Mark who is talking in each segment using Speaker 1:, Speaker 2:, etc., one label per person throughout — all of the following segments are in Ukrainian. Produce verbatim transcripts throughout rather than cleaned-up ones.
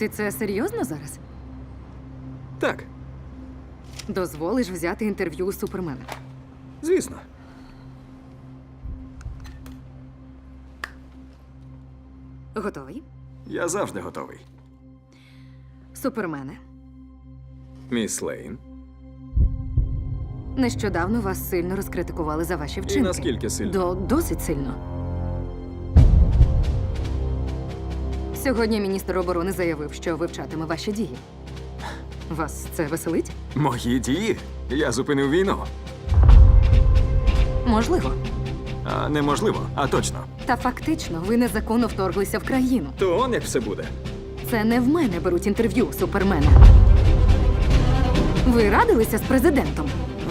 Speaker 1: Ти це серйозно зараз?
Speaker 2: Так,
Speaker 1: Дозволиш взяти інтерв'ю у Супермена?
Speaker 2: звісно.
Speaker 1: Готовий?
Speaker 2: Я завжди готовий.
Speaker 1: Супермене,
Speaker 2: Міс Лейн.
Speaker 1: нещодавно вас сильно розкритикували за ваші вчинки.
Speaker 2: наскільки сильно?
Speaker 1: До досить сильно. Сьогодні міністр оборони заявив, що вивчатиме ваші дії. Вас це веселить?
Speaker 2: Мої дії? Я зупинив війну.
Speaker 1: Можливо.
Speaker 2: А неможливо, а точно.
Speaker 1: Та фактично ви незаконно вторглися в країну.
Speaker 2: То он як все буде.
Speaker 1: Це не в мене беруть інтерв'ю у Супермена. Ви радилися з президентом,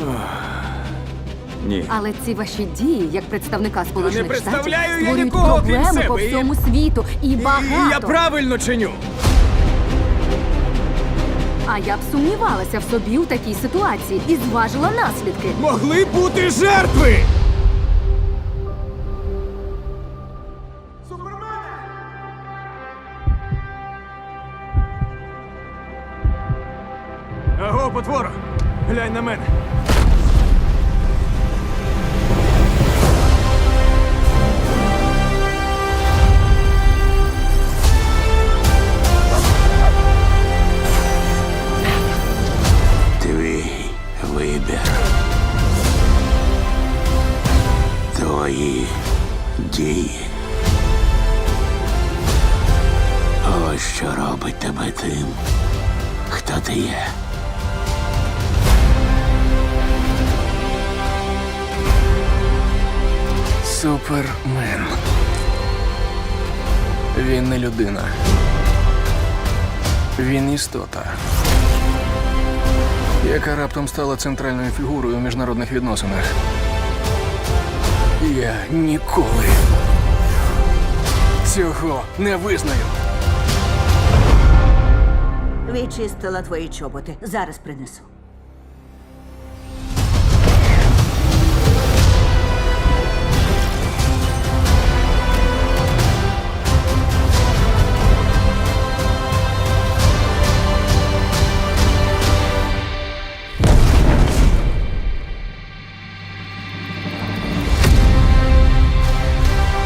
Speaker 2: Ні.
Speaker 1: але ці ваші дії як представника Сполучених
Speaker 2: представляю
Speaker 1: Штатів
Speaker 2: я
Speaker 1: створюють
Speaker 2: нікого, крім
Speaker 1: проблеми по
Speaker 2: себе, і-
Speaker 1: всьому світу і багато.
Speaker 2: Я правильно чиню.
Speaker 1: А я б сумнівалася в собі у такій ситуації і зважила наслідки.
Speaker 2: Могли бути жертви! Аго, потворо! Глянь на мене.
Speaker 3: Твій вибір. Твої дії. Ось що робить тебе тим, хто ти є.
Speaker 4: Супермен. Він не людина. Він істота, яка раптом стала центральною фігурою у міжнародних відносинах. Я ніколи цього не визнаю.
Speaker 5: Відчистила твої чоботи. Зараз принесу.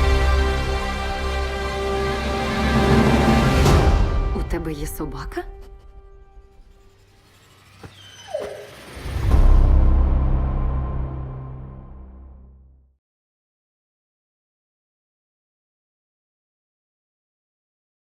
Speaker 1: У тебе є собака?